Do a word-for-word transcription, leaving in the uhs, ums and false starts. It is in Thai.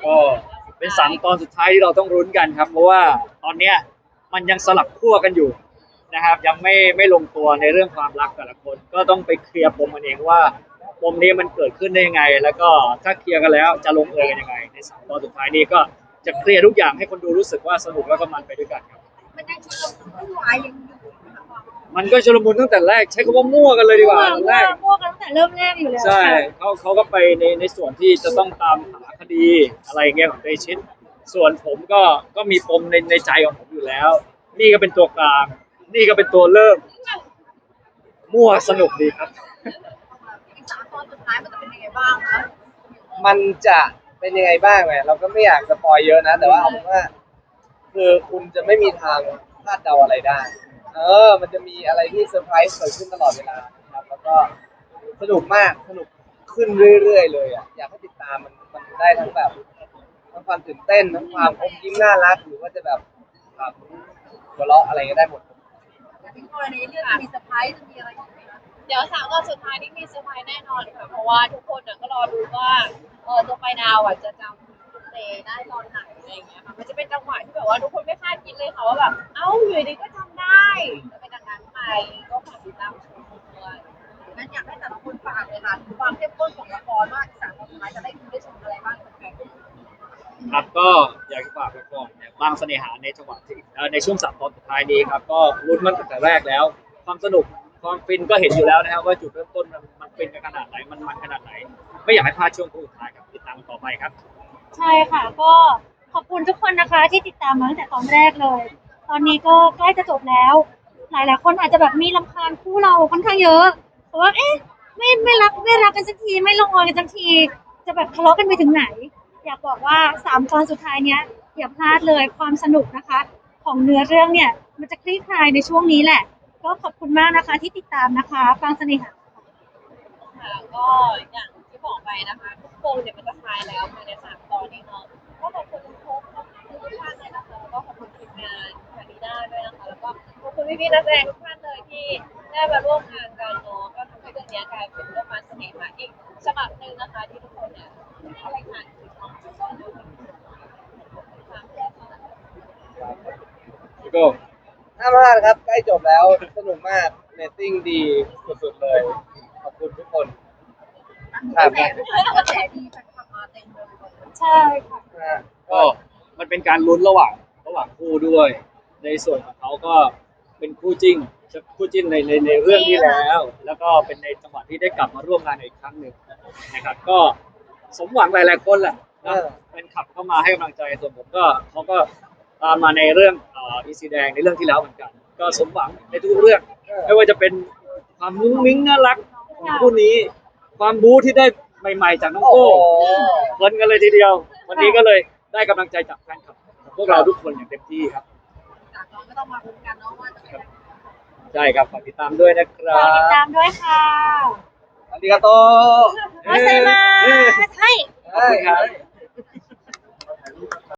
ก็เป็นสามตอนสุดท้ายที่เราต้องรุ้นกันครับเพราะว่าตอนเนี้ยมันยังสลับขั้วกันอยู่นะครับยังไม่ไม่ลงตัวในเรื่องความรักแต่ละคนก็ต้องไปเคลียร์ปมกันเองว่าปมนี้มันเกิดขึ้นได้ยังไงแล้วก็ถ้าเคลียร์กันแล้วจะลงเอยกันยังไงในสามตอนสุดท้ายนี้ก็จะเคลียร์ทุกอย่างให้คนดูรู้สึกว่าสนุกแล้วก็มันไปด้วยกันครับมันยังชุลมุนวุ่นวายยังอยู่นะคะมันก็ชุลมุนตั้งแต่แรกใช้คำว่ามั่วกันเลยดีกว่าตอนแรกมั่วกันตั้งแต่เริ่มแรกอยู่แล้วใช่ค่ะเขาเขาก็ไปในในส่วนที่จะต้องตามหาคดีอะไรเงี้ยของเดชิตส่วนผมก็ก็มีปมในในใจของผมอยู่แล้ว นี่ก็เป็นตัวกลางนี่ก็เป็นตัวเริ่มมั่วสนุกดีครับอีกสามตอนสุดท้ายมันจะเป็นยังไงบ้างคะมันจะเป็นยังไงบ้างเนี่ยเราก็ไม่อยากสปอยเยอะนะแต่ว่าเอาเป็นว่าคือคุณจะไม่มีทางคาดเดาอะไรได้เออมันจะมีอะไรที่เซอร์ไพรส์เกิดขึ้นตลอดเวลาครับแล้วก็สนุกมากสนุกขึ้นเรื่อยๆเลยอ่ะอยากให้ติดตามมันมันได้ทั้งแบบทั้งความตื่นเต้นทั้งความอมยิ้มน่ารักหรือว่าจะแบบครับหัวเราะอะไรก็ได้หมดที่กรณีเรื่องมีเซอร์ไพรส์จะมีอะไรอีกไหมคะเดี๋ยวสามตอนสุดท้ายนี่มีเซอร์ไพรส์แน่นอนค่ะเพราะว่าทุกคนก็รอดูว่าเออตัวไปดาวอ่ะจะจำเตได้ตอนไหนอะไรอย่างเงี้ยค่ะมันจะเป็นจังหวะที่แบบว่าทุกคนไม่คาดคิดเลยค่ะว่าแบบเอ้าอยู่ดีก็จำได้จะเป็นดังนั้นไปก็ฝากติดตามชมด้วยงั้นอยากให้แต่ละคนฝากเลยค่ะความเข้มข้นของละครว่าอีกสามตอนสุดท้ายจะได้ดูได้ชมอะไรบ้างกันแฟนครับก็อยากจะฝากไว้ก่อนเนี่ยบางเสน่หาในจังหวะที่เอ่อในช่วงสามตอนสุดท้ายนี้ครับก็รุ้นมันตั้งแต่แรกแล้วความสนุกความฟินก็เห็นอยู่แล้วนะครับว่าจุดเริ่มต้นมันมันฟินกันขนาดไหนมันมันขนาดไหนไม่อยากให้พลาดช่วงสุดท้ายครับติดตามต่อไปครับใช่ค่ะก็ขอบคุณทุกคนนะคะที่ติดตามมาตั้งแต่ตอนแรกเลย ตอนนี้ก็ใกล้จะจบแล้ว หลายๆคนอาจจะแบบมีรำคาญคู่เราค่อนข้างเยอะเพราะว่าเอ๊ะไม่ไม่รักไม่รักกันสักทีไม่ลงเอยกันสักทีจะแบบทะเลาะกันไปถึงไหน อยากบอกว่าสามตอนสุดท้ายเนี้ยอย่าพลาดเลยความสนุกนะคะ ของเนื้อเรื่องเนี่ยมันจะคลี่คลายในช่วงนี้แหละ ก็ขอบคุณมากนะคะที่ติดตามนะคะฟังเสน่หาค่ะก็อย่างที่บอกไปนะคะทุกคนเนี่ยมันจะคลายแล้วภายในสามตอนนี้เนาะก็ขอบคุณทุกคนทุกท่านเลยนะคะแล้วก็ขอบคุณทีมงานคาริน่าด้วยนะคะแล้วก็ขอบคุณพี่ๆนักแสดงทุกท่านเลยที่ได้มาร่วมงานกันเนาะก็ทำให้เรื่องนี้กลายเป็นเรื่องมันเสน่หาอีกฉบับหนึ่งนะคะที่ทุกคนเนี่ยอะไรผ่านคือความสุขความดูความแย่ค่ะก็ห้ามพลาดครับใกล้จบแล้วสนุกมากเรตติ้งดีสุดๆเลยขอบคุณทุกคนกระแสกระแสดีแฟนคลับมาเต็มเลยใช่ค่ะนะก็มันเป็นการลุ้นระหว่างระหว่างคู่ด้วย ในส่วนของเขาก็เป็นคู่จิ้นคู่จิ้นในในในเรื่องที่แล้ว แล้วก็เป็นในจังหวะที่ได้กลับมาร่วมงานอีกครั้งหนึ่งนะครับก็สมหวังหลายๆคนแหละนะเป็นขับเข้ามาให้กำลังใจส่วนผมก็เขาก็ตามมาในเรื่องเอ่ออีซีแดงในเรื่องที่แล้วเหมือนกัน ก็สมหวังในทุกเรื่องไม่ว่าจะเป็นความมุ้งมิ้งน่ารักของคู่นี้ ความบู๊ที่ได้ใหม่ๆจากน้องโก้เพลินกันเลยทีเดียว วันนี้ก็เลยได้กำลังใจจากแฟนคลับของพวกเราทุกคนอย่างเต็มที่ครับจากน้องก็ต้องมาลุ้นกันเนาะว่าจะเป็นยังไงใช่ครับฝากติดตามด้วยนะครัฝากติดบตามด้วยค่ะอาริกาโตโอเซมาใช่ขอบคุณครับ